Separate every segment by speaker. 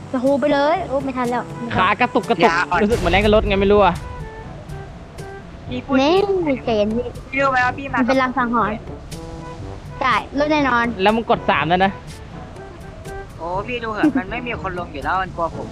Speaker 1: จะโฮไปเลยโอ้ไม่ทันแล้ว
Speaker 2: ขากระตุกรู้สึกเหมือนแรงกับรถไงไม่รู้อะ
Speaker 3: พี่พูด
Speaker 1: เน่
Speaker 3: จริง
Speaker 1: เจนพี่
Speaker 3: พี่รู้ไหมว่าพี่มา
Speaker 1: มันเป็นลางสังหรณ์จ่ายรถแน่นอน
Speaker 2: แล้วมึงกด3แล้วนะ
Speaker 3: โอ้พี่ดูเหอะมันไม่มีคนลงอยู่แล้วมันกลัวผม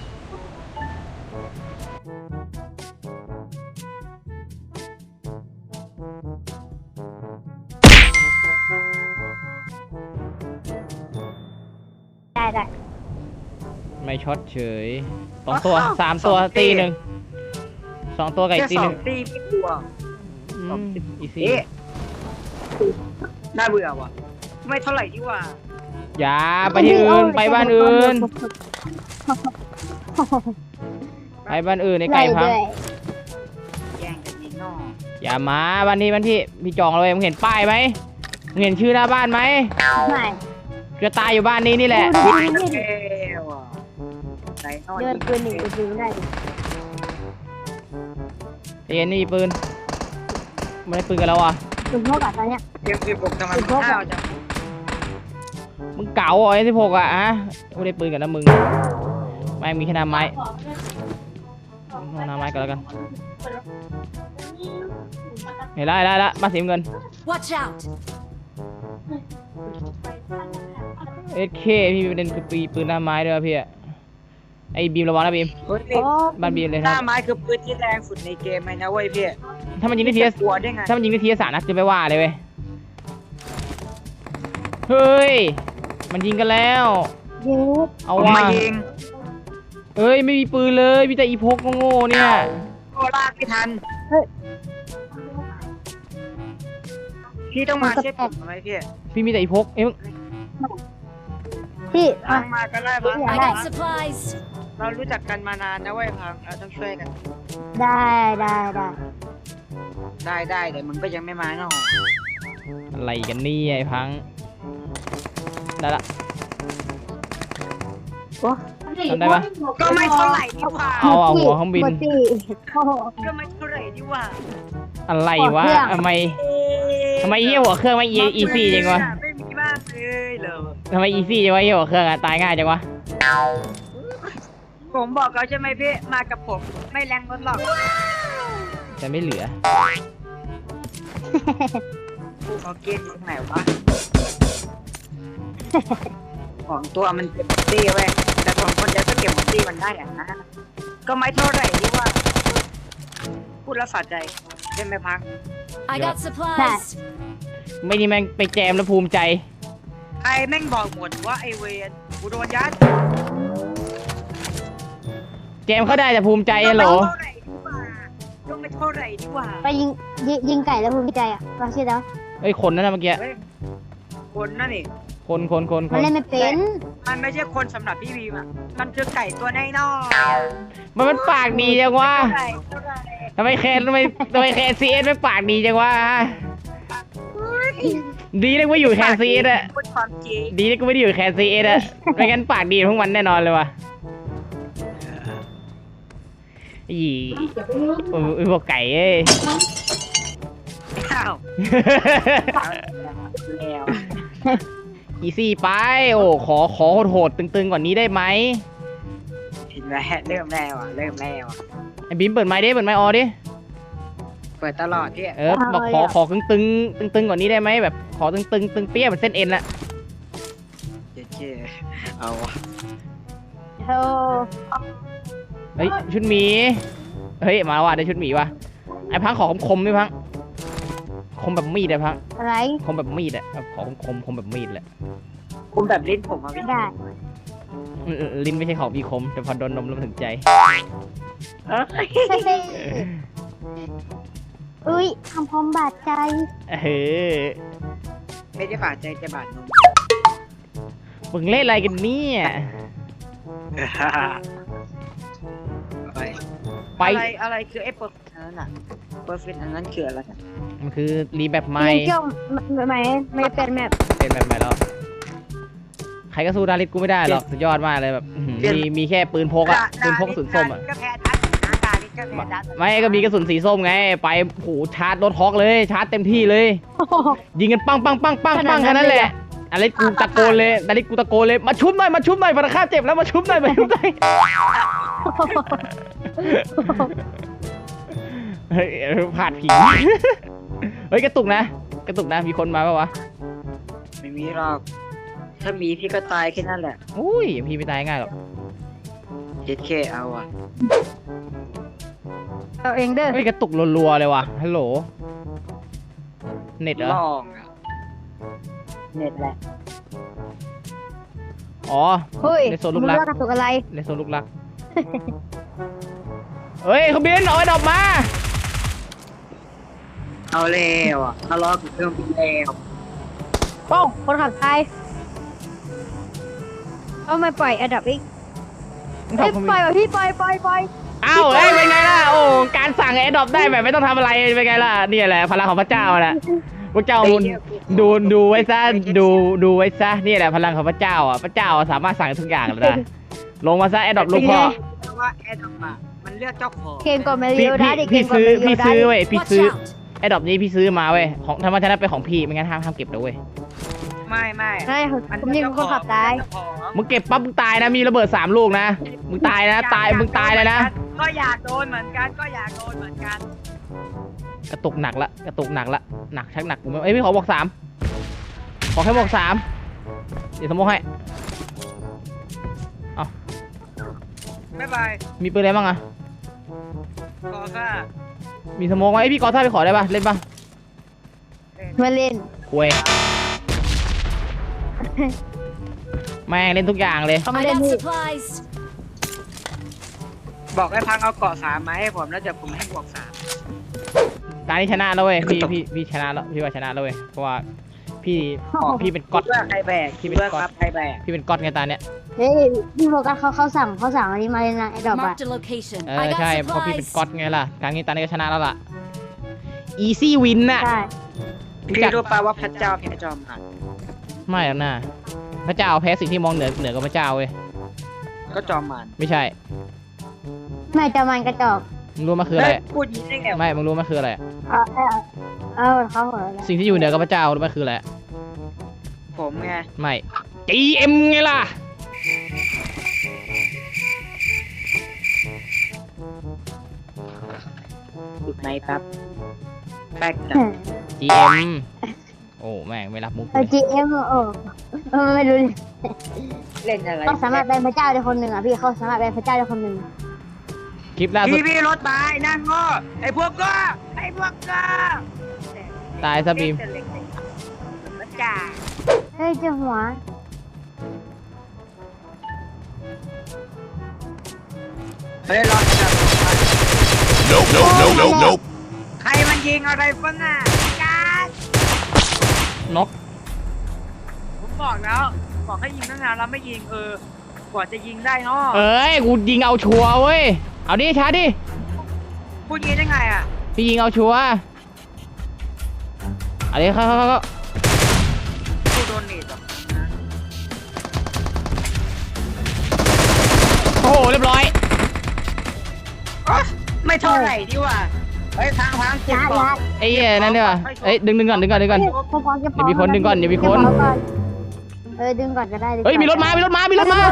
Speaker 1: ได้
Speaker 2: ไม่ช็อตเฉย2 ตัว3 ตัวตีหนึ่ง2 ตัวกับอี
Speaker 3: แค่
Speaker 2: กตี
Speaker 3: ส
Speaker 2: ห
Speaker 3: อ
Speaker 2: นึ่
Speaker 3: ง
Speaker 2: ง
Speaker 3: ตีพี่กลัว
Speaker 2: อีซี่
Speaker 3: เอ๊ะน่าเบื่อว่ะไม่เท่าไหร่ดีกว่า
Speaker 2: อย่าไปที่อื่นไปบ้านอื่นไปบ้านอื่นในไก่พัง
Speaker 3: แย่งกันยิงนอก
Speaker 2: อย่ามาบ้านพี่จองเลยมึงเห็นป้ายไหมมึงเห็นชื่อหน้าบ้านไหม
Speaker 1: ไม่
Speaker 2: จะตายอยู่บ้านนี้นี่แหละ
Speaker 3: เอ้ว่ะไหนนอน
Speaker 1: เดินปืนหนึ่งปืนได้
Speaker 2: เอ็นนี่มีปืนไม่ได้ปืนกับเราอ่ะ
Speaker 1: ปืนเท่ากับตอนเนี้ย
Speaker 3: เกม16ทำไมมันห้าวจัง
Speaker 2: มึงเก๋าไอ้16อ่ะฮะไม่ได้ปืนกับนะมึงไม่มีแค่หน้าไม้เอาหน้าไม้ก่อนแล้วกันเห็นละมาสีเงิน
Speaker 4: Watch out!
Speaker 2: เอสเคพี่เป็นปืนหน้าไม้ด้วยพี่ไอ้บีมระวังนะบีม
Speaker 3: เฮ้ย
Speaker 1: โอ้
Speaker 2: บ้านบีมเลย
Speaker 3: หน้าไม้คือปืนที่แรงสุดในเกมเลยนะเว้ยพี่
Speaker 2: ถ้ามันยิงได้ทีละ
Speaker 3: กลัวได้ไง
Speaker 2: ถ้ามันยิงได้ทีละ3 นัดจะไม่ว่าเลยเว้ยเฮ้ยมันยิงกันแล้ว
Speaker 1: ยิง
Speaker 2: เอา
Speaker 3: ผม
Speaker 2: ว่ะ
Speaker 3: มายิง
Speaker 2: เอ้ยไม่มีปืนเลยมีแต่อีพกโง่ๆเนี่ย
Speaker 3: โอ้ลากไม่ทันพี่ต้องมาเช็คผมทำไมพี่
Speaker 2: พี่มีแต่อีพกเอ้ยมึง
Speaker 1: พี่
Speaker 3: พังมาก็ได้พัง
Speaker 4: I got supplies.
Speaker 3: เรารู้จักกันมานานนะเว้ยพังเราต้องช่วยกัน
Speaker 1: ได้
Speaker 3: ได้แต่มึงก็ยังไม่มาเนาะ
Speaker 2: อะไรกันเนี่ยไอ้พังได้ละ
Speaker 1: โอ้
Speaker 2: ทำได้ปะ
Speaker 3: ก็ไม่เท่าไหร่ดีกว่า
Speaker 2: เอาหัวเครื่องบิน
Speaker 1: หมดพี่โอ้โห
Speaker 3: ก็ไม่เท่าไหร่ดีกว่า
Speaker 2: อะไรวะ
Speaker 1: หัวเครื่อง
Speaker 2: ทำไมเหี้ยหัวเครื่องไม่อีซี่จังวะ
Speaker 3: ไม่มีบ้างเลยเหรอ
Speaker 2: ทำไมอีซี่จังวะเหี้ยหัวเครื่องอะตายง่ายจังวะ
Speaker 3: ผมบอกเขาใช่ไหมพี่มากับผมไม่แรงรถหรอก
Speaker 2: แต่ไม่เหลือ
Speaker 3: เขาเกณฑ์อยู่ตรงไหนวะของตัวมันเก็บหมดตี้เว้ยแต่ของคนเดียวก็เก็บหมดตี้มันได้อะนะก็ไม่เท่าไหร่ดีกว่าพูดแล้วสะใจใช่ไหมพัง
Speaker 4: I got supplies.
Speaker 2: ไม่นี่แม่งไปแจมแล้วภูมิใจ
Speaker 3: ใครแม่งบอกหมดว่าไอเวนกูโดนยัด
Speaker 2: แจมเขาได้แต่ภูมิใจฮัลโหล
Speaker 3: ก็ไม่เท่าไหร่ดีกว่า
Speaker 1: ไปยิงไก่แล้วภูมิใจอ่ะฟังชื่อแล้ว
Speaker 2: เอ้ยคนนั่นนะเมื่อกี้
Speaker 3: เฮ้ยคนนั่นนี่
Speaker 2: คน
Speaker 1: มันเล่นไม่เป็น
Speaker 3: มันไม่ใช่คนสำหรับพี่บีมอ่ะมันคือไก่ตัวน้อย
Speaker 2: มันปากดีจังวะ
Speaker 3: เท่าไหร่เท่าไหร่
Speaker 2: ทำไมแคนซีเอสไม่ปากดีจังวะดีนะกูไม่อยู่แคนซีเอสอะ
Speaker 3: พูดความจริง
Speaker 2: ดีนะกูไม่ได้อยู่แคนซีเอสอะไม่งั้นปากดีพวกมันแน่นอนเลยว่ะอีพวกไก่เอ้ย
Speaker 3: อ้าวแล้ว
Speaker 2: อีซี่ไปโอ้ขอโหดตึงกว่านี้ได้ไหม
Speaker 3: เห็นไหมเริ่มแล้วอ่ะ
Speaker 2: ไอ้บิมเปิดไมค์ดิเปิดไมค์ออดิ
Speaker 3: เปิดตลอดที่
Speaker 2: บอกขอตึงกว่านี้ได้ไหมแบบขอตึงเปี้ยเหมือนเส้นเอ็นละ
Speaker 3: เจ๊เอาวะ
Speaker 1: โธ่
Speaker 2: เฮ้ยชุดหมีเฮ้ยมาแล้วว่ะได้ชุดหมีว่ะไอ้พังขอคมๆดิพังคมแบบมีดอะพัง
Speaker 1: อะไร
Speaker 2: คมแบบมีดอะขอคมแบบมีดแหละ
Speaker 3: คุมแบบลิ้นผมมาพี่
Speaker 1: ได้
Speaker 2: ลิ้นไม่ใช่ของมีคมแต่พอโดนนมแล้วมันถึงใจ
Speaker 1: อุ้ยทำพร้อมบาดใจ
Speaker 2: เฮ้ย
Speaker 3: ไม่ได้บาดใจจะบาดนม
Speaker 2: มึงเล่นอะไรกันเนี่ย ไป
Speaker 3: อะไรคือไอ้เปอร์เฟกต์นั้นอ่ะเปอร์เฟกต์นั้นคืออะไร
Speaker 2: มันคือรีแบบใหม่
Speaker 1: เกี่ยวไม่เป็นแบบ
Speaker 2: เป็นแบบใหม่แล้วใครก็สู้ดาริสกูไม่ได้หรอกสุดยอดมากเลยแบบมีแค่ปืนพกอะปืนพกกระสุนส้มอะ
Speaker 3: ก็แพ้ทัดอาการนี่ก็แพ้ทัด
Speaker 2: ไม่ก็มีกระสุนสีส้มไงไปโหชาร์จรถฮอกเลยชาร์จเต็มที่เลย ยิงกันปังแค่นั้นแหละอะไรกูตะโกนเลยอะไรกูตะโกนเลยมาชุบหน่อยมาชุบหน่อยพนักงานเจ็บแล้วมาชุบหน่อยมาชุบหน่อยเฮ้ยผ่านผีเฮ้ยกระตุกนะมีคนมาปะวะ
Speaker 3: ไม่มีหรอกถ้ามีพี่ก็ตายแค่นั้นแหละ
Speaker 2: อุ้ยพี่ไม่ตายง่ายหรอก
Speaker 3: เจ็ดเคเอาอ่ะ
Speaker 1: เอาเองเด้อ
Speaker 2: เฮ้ยกระตุกรัวๆเลยว่ะฮัลโหลเน็ตเหรอ
Speaker 3: ลองอ่ะเน็ตแหละ
Speaker 2: อ๋อ
Speaker 1: เฮ้ย
Speaker 2: ในโซนลูกรัก
Speaker 1: มึงว่ากระตุกอะไร
Speaker 2: ในโซนลูกรักเฮ้ยเขาบินเอาไอ้ดอกมา
Speaker 3: เอาแล้วอ่ะทะเลาะกับเครื่องบินแล้ว
Speaker 1: ป้องคนขับไทยเอามาปล่อยอันดับอีก
Speaker 2: มึง
Speaker 1: เฮ้ย
Speaker 2: ทำ
Speaker 1: ปล่อยว่ะพี่ปล่อย
Speaker 2: อ้าวเฮ้ยเป็นไงล่ะโอ้การสั่งไอ้ดอกได้แบบไม่ต้องทำอะไรเป็นไงล่ะนี่แหละพลังของพระเจ้าแหละพระเจ้าดูไว้ซะดูไว้ซะนี่แหละพลังของพระเจ้าอ่ะพระเจ้าสามารถสั่งทุกอย่างเลยนะลงมาซะไอ้ดอกลูกพ่อ
Speaker 3: เพราะว่าแอดออกมามันเลือกเจ้าของ
Speaker 1: เกมก่อนมา
Speaker 2: พี่
Speaker 1: เรียวได้ดิเก
Speaker 2: พี่
Speaker 1: มก่อน
Speaker 2: ซื้อ
Speaker 1: มาเรี
Speaker 2: พี่
Speaker 1: ยวได้
Speaker 2: ซื้อเว้ยพี่
Speaker 4: Watch
Speaker 2: ซื้อ
Speaker 4: out!
Speaker 2: ไอ้ดอกนี้พี่ซื้อมาเว้ยของธรรมชาติเป็นของพี่ไม่งั้นห้ามเก็บนะเว้ย
Speaker 3: ไม่
Speaker 1: ใช่ผมยิงคนขับตาย
Speaker 2: มึงเก็บปั๊บมึงตายนะมีระเบิด3 ลูกนะมึงตายนะมึงตายเลยนะ
Speaker 3: ก็อยากโดนเหมือนกัน
Speaker 2: กระตุกหนักละหนักชักหนักกูไม่พี่ขอบอก3ขอแค่บอก3เดี๋ยวสมมติให้
Speaker 3: บ๊ายบาย
Speaker 2: มีปืนอะไรบ้างอะ
Speaker 3: ขอค่ะ
Speaker 2: มีสโมกไหมพี่กอท่าไปขอได้ปะเล่นปะ
Speaker 1: มาเล่น
Speaker 2: คุยแม่งเล่นทุกอย่างเลย
Speaker 1: เขามา
Speaker 4: I
Speaker 1: เล่น
Speaker 4: got
Speaker 1: พี่
Speaker 4: supplies.
Speaker 3: บอกให้พังเอาเกาะ3มาให้ผมแล้วเดี๋ยวผมให้บวก3
Speaker 2: ตานี้ชนะแล้วเว้ยพี่ชนะแล้วพี่ว่าชนะแล้วเว้ยเพราะว่าพี่เป็นก๊อต
Speaker 3: คิดว่าใครแบก
Speaker 2: พี่เป็นก๊อต
Speaker 3: ครับใครแบก
Speaker 2: พี่เป็นก๊อตไงตาเนี้ย
Speaker 1: เฮ้ยพี่โฟกัสเขาสั่งอันนี้มาเลยนะไอ้ดอกอะ
Speaker 4: Marked a location.
Speaker 2: เออ
Speaker 4: I
Speaker 2: ใช่
Speaker 4: got
Speaker 2: เพราะพี่เป็น
Speaker 4: supplies.
Speaker 2: ก๊อตไงล่ะครั้งนี้ตานี้ก็ชนะแล้วล่ะ easy win น่ะ
Speaker 1: ใช่
Speaker 3: พี่รู้ป่าว่าพระเจ้าแพ้จอมหัน
Speaker 2: ไม่หรอกนะพระเจ้าแพ้สิ่งที่มองเหนือกว่าพระเจ้าเว้ย
Speaker 3: ก็จอมมัน
Speaker 2: ไม่ใช่
Speaker 1: ไม่จะมันกระจอก
Speaker 2: มึงรู้มันคืออะไร
Speaker 3: เฮ้ยพูดอย่างนี้ได้ไงวะ
Speaker 2: ไม่มึงรู้มันคืออะไร
Speaker 1: เขาหัวแล้ว
Speaker 2: สิ่งที่อยู่เหนือกับพระเจ้ารู้มันคืออะไร
Speaker 3: ผมไง
Speaker 2: ไม่ GM ไงล่ะ
Speaker 3: จุดไหนครับแฟกต์
Speaker 2: GM โอ้แม่งไม่รับมุก
Speaker 1: เออ GM ไม่รู้เลย
Speaker 3: เล่นอะไร
Speaker 1: เขาสามารถเป็นพระเจ้าได้คนหนึ่งอ่ะพี่เขาสามารถเป็นพระเจ้าได้คนหนึ่ง
Speaker 2: คลิปล่าสุด
Speaker 3: พี่รถตายนั่งโง่ไอ้พวกก็
Speaker 2: ตายซะบีม
Speaker 3: พระเจ้า
Speaker 1: เฮ้ยเจ้าหัว
Speaker 3: เฮ้ยรอจับ
Speaker 5: Nope.
Speaker 3: ใครมันยิงอะไรฟังอ่ะการ
Speaker 2: นก
Speaker 3: ผมบอกแล้วบอกให้ยิงตั้งนานแล้วไม่ยิงกว่าจะยิงได้เนาะ
Speaker 2: เอ้ยกูยิงเอาชัวร์เว้ยเอาดิช้าดิ
Speaker 3: พูดงี้ได้ไงอ่ะ
Speaker 2: พี่ยิงเอาชัวร์เอาดิเข้า
Speaker 3: พูดโดนเนตหรอ
Speaker 2: โอ้โหเรียบร้อย
Speaker 3: ไม่เท่าไหร่ดีว่าเฮ้ยทางเจ็บก่อน
Speaker 2: ไอ้เหี้ยนั่นเนี่ยเอ้ยดึงก่อน
Speaker 1: เฮ้ยพอๆจะพอ
Speaker 2: อย่ามีคนดึงก่อนอย่ามีคน
Speaker 1: ดึงก่อนก็ได้
Speaker 2: เฮ้ยมีรถมา
Speaker 4: Watch out!
Speaker 2: รถมาข้างหลัง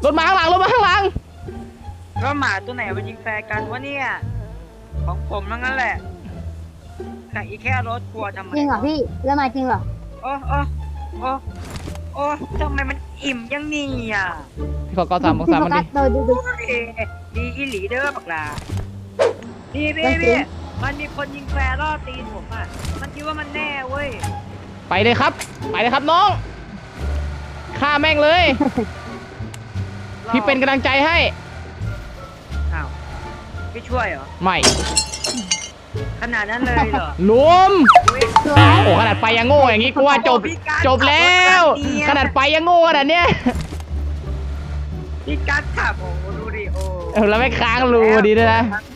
Speaker 3: แล้วหมาตัวไหนมันยิงแฟร์กันวะเนี่ยของผมทั้งนั้นแหละแต่อีแค่รถกลัวทำไม
Speaker 1: จริงเหรอพี่แล้วมาจริงเหรอ
Speaker 3: โอ้ทำไมมันอิ่มยังนี่อ่ะ
Speaker 2: พี่ขอ3บอก3มันดิ
Speaker 1: ดู
Speaker 3: ดีอีหลีเด้อบักลาพี่มันมีคนยิงแฟร์ล่อตีนผมอ่ะมันคิดว่ามันแน่เว้ย
Speaker 2: ไปเลยครับน้องฆ่าแม่งเลย พี่เป็นกำลังใจให้
Speaker 3: อ้าวพี่ช่วยเหรอ
Speaker 2: ไม่
Speaker 3: ขนาดนั้นเลยเหรอ
Speaker 2: รวม
Speaker 1: สวย
Speaker 2: โอ้ขนาดไปยังโง่อย่างงี้กูว่าจบแล้ว ขนาดไปยังโง่ขนาดเนี้ย
Speaker 3: พี่กัดขับโอ้ดูดิโอ้
Speaker 2: แล้วไม่ค้างรูดีด้วยนะ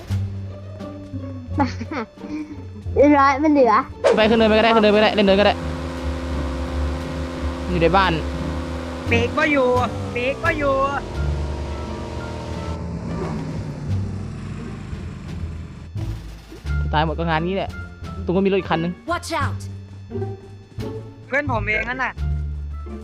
Speaker 1: ร้อยมันเหลือ
Speaker 2: ไปขึ้นเนินไปก็ได้เล่นเนินก็ได้อยู่ในบ้าน
Speaker 3: เบรกก็อยู่
Speaker 2: ตายหมดก็งานนี้แหละตรงก็มีรถอีกคันนึง
Speaker 4: Watch out!
Speaker 3: เพื่อนผมเองนั่นน่ะ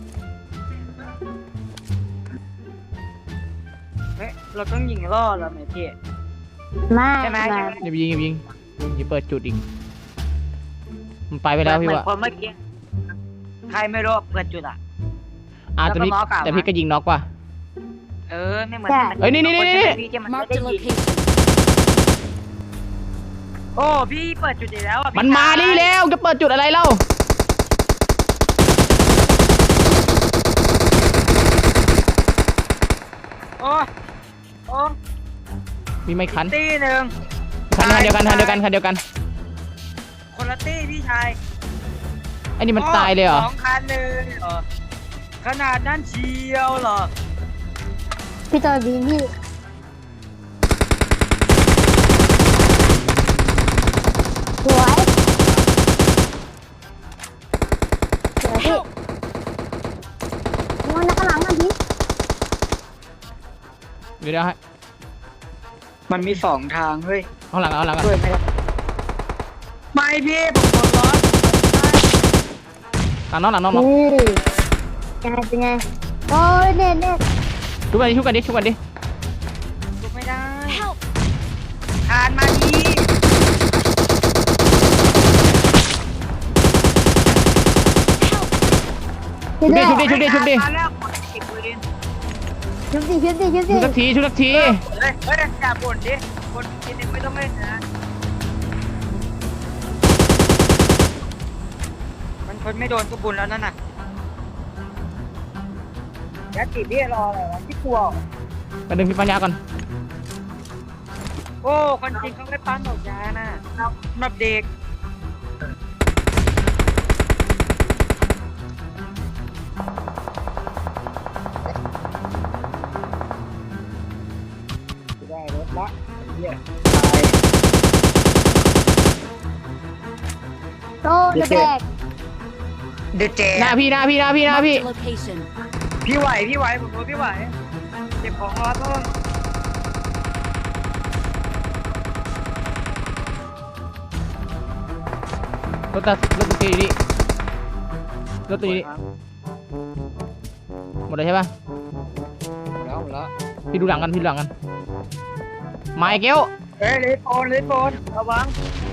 Speaker 3: ฮ้ยเราต้องยิงล่อแล้วไหมพี่
Speaker 1: ไม่
Speaker 3: ใช่ไหม
Speaker 1: ไม่
Speaker 2: อย่าไปยิงอย่าไปยิงอย่าเปิดจุดอีกมันไปแล้วพี่
Speaker 3: เหมือน
Speaker 2: ว่า
Speaker 3: คนเมื่อกี้ใครไม่รู้เปิดจุดอ่ะ
Speaker 2: แต่พี่
Speaker 3: แล้วก็น็อกอะ
Speaker 2: แต่พี่ก็ยิงน็อกว่ะ
Speaker 3: ไม่เหมือน
Speaker 2: เอ้ยนี่
Speaker 3: พี่ที่มันไม่
Speaker 4: Marked
Speaker 3: ได้
Speaker 4: a
Speaker 3: ยิง
Speaker 4: location.
Speaker 3: โอ้พี่เปิดจุดอีกแล้วอ่ะ
Speaker 2: มันมาดิแล้วจะเปิดจุดอะไรเล่า
Speaker 3: โอ้โอ้
Speaker 2: มีไม่คัน
Speaker 3: ตีหนึ่ง
Speaker 2: คันเดียวกันคันเดียวกันคันเดียวกัน
Speaker 3: คนละตีพี่ชาย
Speaker 2: ไอ้นี่มันตายเลยเหรอ
Speaker 3: สองคันเลยเหรอขนาดนั้นเชียวเหรอ
Speaker 1: พี่ตัวบีพี่สวยสวยพี่มันข้างหลังมันพี่
Speaker 2: เดี๋ยวให้
Speaker 3: มันมีสองทางเฮ้ย
Speaker 2: เอาหลังเอาหลัง
Speaker 3: ช่วยไม่ได้ไม่พี่ผมโดนล้อ
Speaker 2: หลังน้องหลังน้อง
Speaker 1: นี่ยังไงเป็นไงโอ้ยเน็ตเน็ต
Speaker 2: ชุบกันดิชุบกันดิชุบกันดิ
Speaker 3: ชุบไม่ได้
Speaker 4: Help!
Speaker 3: ทานมาดี
Speaker 1: ชุบดิ
Speaker 2: ชุบดิชุบดิชุบดิ
Speaker 3: มาแล้วกดเก็บปืน
Speaker 1: ชุบดิชุบดิชุบ
Speaker 2: ชุบสัก
Speaker 1: ดิ
Speaker 2: ทีชุบสักที
Speaker 3: เฮ้ยอย่าบ่นดิคนกินไม่ต้องเล่นนะมันคนไม่โดนก็บุญแล้วนั่นน่ะยัดติดเบี้ยรออะไรวะที่กลัว
Speaker 2: มาดึงพี่ปัญญาก่อน
Speaker 3: โอ้คนจริงเขาไม่ปั้นดอกยาน่ะสำหรับเด็กได้รถละเหี้ย
Speaker 1: โตจะแบก
Speaker 3: เดือดเจ๊
Speaker 2: หน้าพี่หน้าพี่หน้าพี่หน้าพี่
Speaker 4: Marked a location.
Speaker 3: พี่ไหวผมรู้พี่ไหวเก็บของรอต้น
Speaker 2: รถตัวนี้รถตัวนี้หมดเลยใช่ป่ะ
Speaker 3: แล้ว
Speaker 2: พี่ดูหลังกันพี่ดูหลังกันมาไอ้เกี้ยว
Speaker 3: เฮ้ยเลสโอนระวัง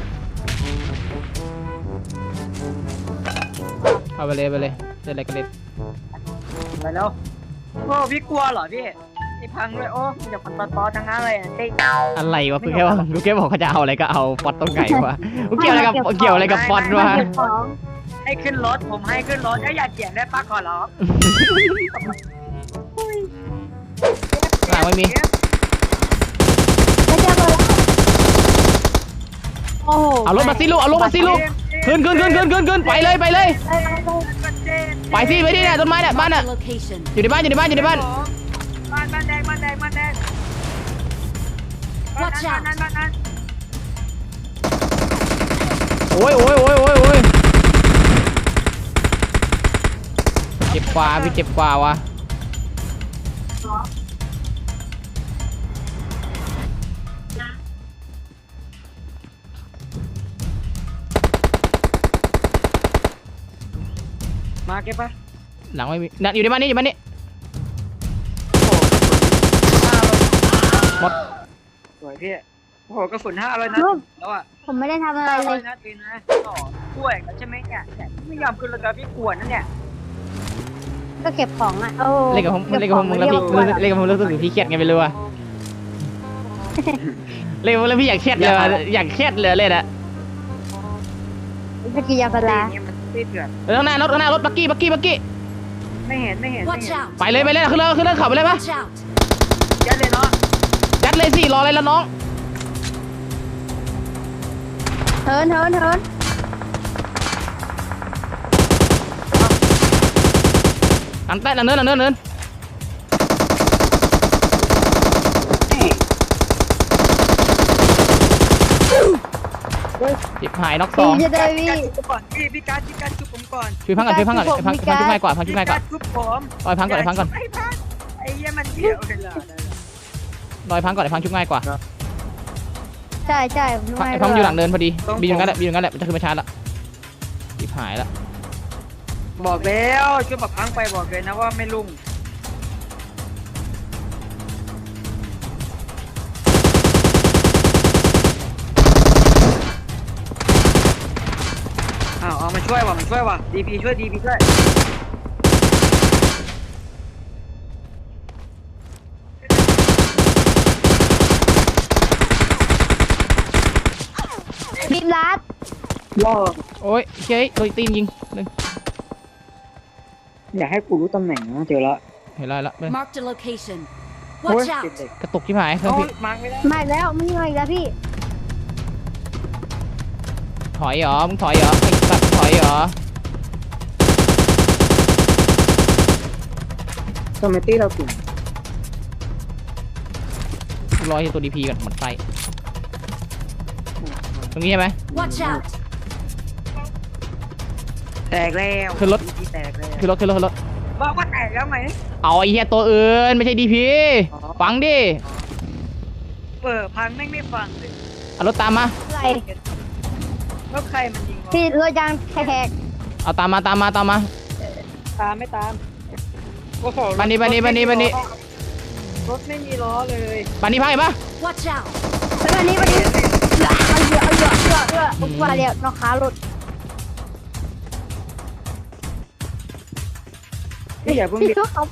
Speaker 2: เอาไปเลยเล่นอะไรกันเล่น
Speaker 3: ไปแล้วโอ้พี่กลัวเหรอพี่ไอ้พังเลยโอ้อย่าพันตอทั้งนั้นเลยเต้
Speaker 2: อะไรวะกูแค่บอกเขาจะเอาอะไรก็เอาฟอดต้นไก่วะกูเกี่ยวอะไรกับฟอดวะ
Speaker 1: เก็บของ
Speaker 3: ให้ขึ้นรถผมให้ขึ้นรถอย่าเกี่ยงได้ปะขอร้อง
Speaker 2: หลังไม่มี
Speaker 1: ไม่เจอเลยโอ้โห
Speaker 2: เอารถมาสิลูกเอารถมาสิลูกขึ้นไปเลยไปสิไปที่เนี่ยต้นไม้เนี่ยบ้าน
Speaker 4: Marked
Speaker 2: น่ะ
Speaker 4: a location.
Speaker 2: อยู่ในบ้าน
Speaker 3: บ้านแดง
Speaker 4: Watch out
Speaker 3: บ้านนั้น
Speaker 2: โอ้ยเจ็บกว่าพี่เจ็บกว่าวะ
Speaker 3: มาเก็บปะ
Speaker 2: หลังไม่มีนั่นอยู่ในบ้านนี้หมด
Speaker 3: สวยพี่โอ้โหกระสุน500นัดแล้วอ่ะ
Speaker 1: ผมไม่ได้ทำอะไรเลย
Speaker 3: 500นัดเองนะต่อช่วยกันใช่ไหมเนี่ยไม่ยอมขึ้นเลยกับพี่กวนนั่นเนี่ย
Speaker 1: ก็เก็บของอ่ะโอ้
Speaker 2: เล่นกับผมแล้วพี่รู้สึกพี่เครียดไงไม่รู้อะเล่นกับผมแล้วพี่อยากเครียดเลยอยากเครียดเลยเล่นอะ
Speaker 1: สกียาปลา
Speaker 3: นี่มันตีเดือด
Speaker 2: ข้างหน้ารถบักกี้
Speaker 3: ไม่เห็น
Speaker 4: Watch out!
Speaker 2: ไปเลยขึ้นเลยขับไปเลยปะ
Speaker 4: Watch out!
Speaker 3: ยัดเลยเนาะ
Speaker 2: ยัดเลยสิรออะไรละน้อง
Speaker 1: เทิน
Speaker 2: เนินจิบหายน็อกส
Speaker 1: พี่
Speaker 2: อง
Speaker 1: จะได้พี่
Speaker 3: ก่อนพี่การชุบผมก่อน
Speaker 2: ช่วยพังก่อนพังชุบง่ายกว่า
Speaker 3: ชุบผม
Speaker 2: ลอยพังก่อน
Speaker 3: ไอ้เหี้ยมันเดี่ยวเลยล่ะ
Speaker 2: ลอยพังก่อนพังชุบง่ายกว่า
Speaker 1: ใช่ไม่
Speaker 2: ไอ้พังอยู่หลังเดินพอดีบีอยู่งั้นแหละมันจะขึ้นมาชาร์จละจิบหายละ
Speaker 3: บอกแล้วช่วยแบบพังไปบอกเลยนะว่าไม่ลุ่งเอามาช่วยว่ะดีพีช่วย
Speaker 1: บีมรัด
Speaker 3: ล่อ
Speaker 2: โอ้ยเฮ้ยโดนตีนยิงหนึ่ง
Speaker 3: อยากให้กูรู้ตำแหน่งนะเจอแล้ว
Speaker 2: เห็นแล้วละ
Speaker 4: Marked a location.
Speaker 3: โอ้ย
Speaker 4: Watch
Speaker 3: เจ็บ
Speaker 4: out!
Speaker 3: เด็ก
Speaker 2: กระตุกที่หายเครื่อง
Speaker 3: โอ้
Speaker 2: พี่
Speaker 3: ยมาไม่ได้
Speaker 1: มาอีกแล้วไม่มาอีกแล้วพี่
Speaker 2: ถอยเหรอมึงถอยเหรอไอ้สัตว์ถอยเหรอ
Speaker 3: คอมเมตี้เรากลุ่ม
Speaker 2: รอให้ตัวดีพีก่อนหมดไฟตรงนี้ใช่ไหม
Speaker 4: Watch out!
Speaker 3: แตกแล้ว
Speaker 2: ขึ้นรถ
Speaker 3: DP แตกแล้ว
Speaker 2: คือรถ
Speaker 3: บอกว่าแตกแล้วไหม
Speaker 2: เอาไอ้เหี้ยตัวอื่นไม่ใช่ดีพี
Speaker 3: อ๋อ
Speaker 2: ฟังดิ
Speaker 3: พังไม่ฟังเลย
Speaker 2: เอารถตามมา
Speaker 1: อะไร
Speaker 3: แล้วใครมันยิงวะ
Speaker 1: พี่รถยางแขก
Speaker 2: เอาตามมา
Speaker 3: ตามไม่ตามโอ้โห
Speaker 2: บันนี้
Speaker 3: รถไม่มีล้อเลย
Speaker 2: ปานนี้พังเห็นปะ
Speaker 4: Watch out!
Speaker 1: แล้ววันนี้เอาเยอะว่าเดี๋ยวน้องขารถ
Speaker 3: พี่อย่าเพิ่ง
Speaker 1: พี่
Speaker 3: ดิ
Speaker 1: ก็เอา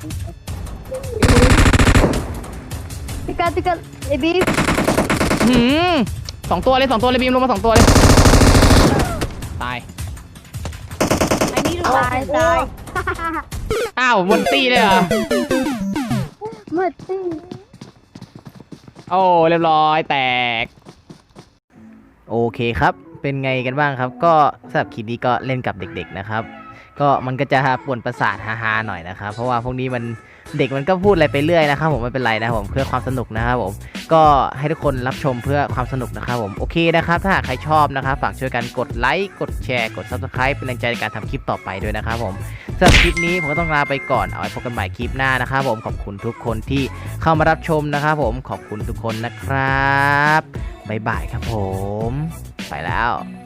Speaker 1: ติกันไอ้บีม
Speaker 2: หืมสองตัวเลยบีมลงมา2 ตัวเลยตาย
Speaker 4: I need a
Speaker 1: ตาย
Speaker 4: weapon.
Speaker 1: ตาย
Speaker 2: อ้าวบนตีเลยเหรอ
Speaker 1: มืดสิ
Speaker 2: โอ้เรียบร้อยแตกโอเคครับเป็นไงกันบ้างครับก็สำหรับคลิปนี้ก็เล่นกับเด็กๆนะครับก็มันก็จะป่วนประสาทฮาๆหน่อยนะครับเพราะว่าพวกนี้มันเด็กมันก็พูดอะไรไปเรื่อยนะครับผมไม่เป็นไรนะครับผมเพื่อความสนุกนะครับผมก็ให้ทุกคนรับชมเพื่อความสนุกนะครับผมโอเคนะครับถ้าหากใครชอบนะครับฝากช่วยกันกดไลค์กดแชร์กด Subscribe เป็นแรงใจในการทำคลิปต่อไปด้วยนะครับผมสำหรับคลิปนี้ผมก็ต้องลาไปก่อนเอาไว้พบกันใหม่คลิปหน้านะครับผมขอบคุณทุกคนที่เข้ามารับชมนะครับผมขอบคุณทุกคนนะครับบ๊ายบายครับผมไปแล้ว